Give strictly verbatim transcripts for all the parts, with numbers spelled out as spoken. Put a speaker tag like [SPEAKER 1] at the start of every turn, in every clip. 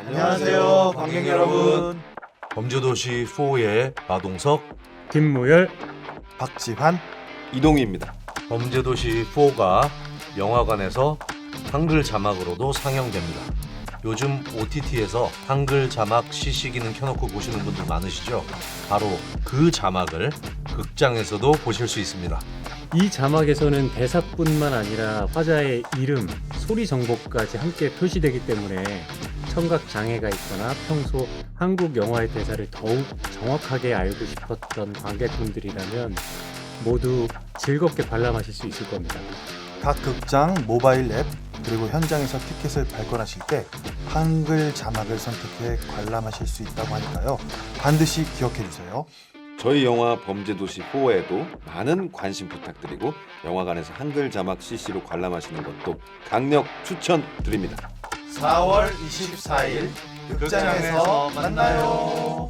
[SPEAKER 1] 안녕하세요, 관객 여러분.
[SPEAKER 2] 범죄도시 사의 마동석,
[SPEAKER 3] 김무열,
[SPEAKER 1] 박지환,
[SPEAKER 4] 이동희입니다.
[SPEAKER 2] 범죄도시 사가 영화관에서 한글 자막으로도 상영됩니다. 요즘 오티티에서 한글 자막 시시 기능 켜놓고 보시는 분들 많으시죠? 바로 그 자막을 극장에서도 보실 수 있습니다.
[SPEAKER 3] 이 자막에서는 대사뿐만 아니라 화자의 이름, 소리 정보까지 함께 표시되기 때문에 청각 장애가 있거나 평소 한국 영화의 대사를 더욱 정확하게 알고 싶었던 관객분들이라면 모두 즐겁게 관람하실 수 있을 겁니다.
[SPEAKER 1] 각 극장 모바일 앱 그리고 현장에서 티켓을 발권하실 때 한글 자막을 선택해 관람하실 수 있다고 하니까요. 반드시 기억해 주세요.
[SPEAKER 4] 저희 영화 범죄도시 사에도 많은 관심 부탁드리고 영화관에서 한글 자막 씨씨로 관람하시는 것도 강력 추천드립니다.
[SPEAKER 1] 사월 이십사일 극장에서 만나요.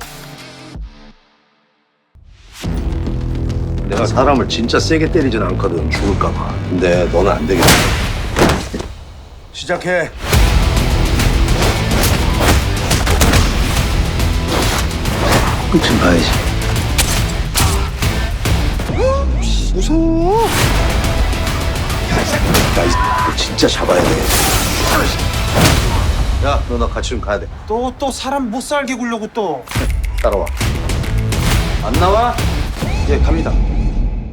[SPEAKER 5] 내가 사람을 진짜 세게 때리진 않거든, 죽을까봐. 근데 너는 안 되겠다. 시작해. 끝은 봐야지.
[SPEAKER 4] 무서워.
[SPEAKER 5] 나 이 진짜 잡아야 돼. 야, 너 나 같이 좀 가야 돼.
[SPEAKER 1] 또 또 사람 못 살게 굴려고 또.
[SPEAKER 5] 따라와. 안 나와? 예, 갑니다.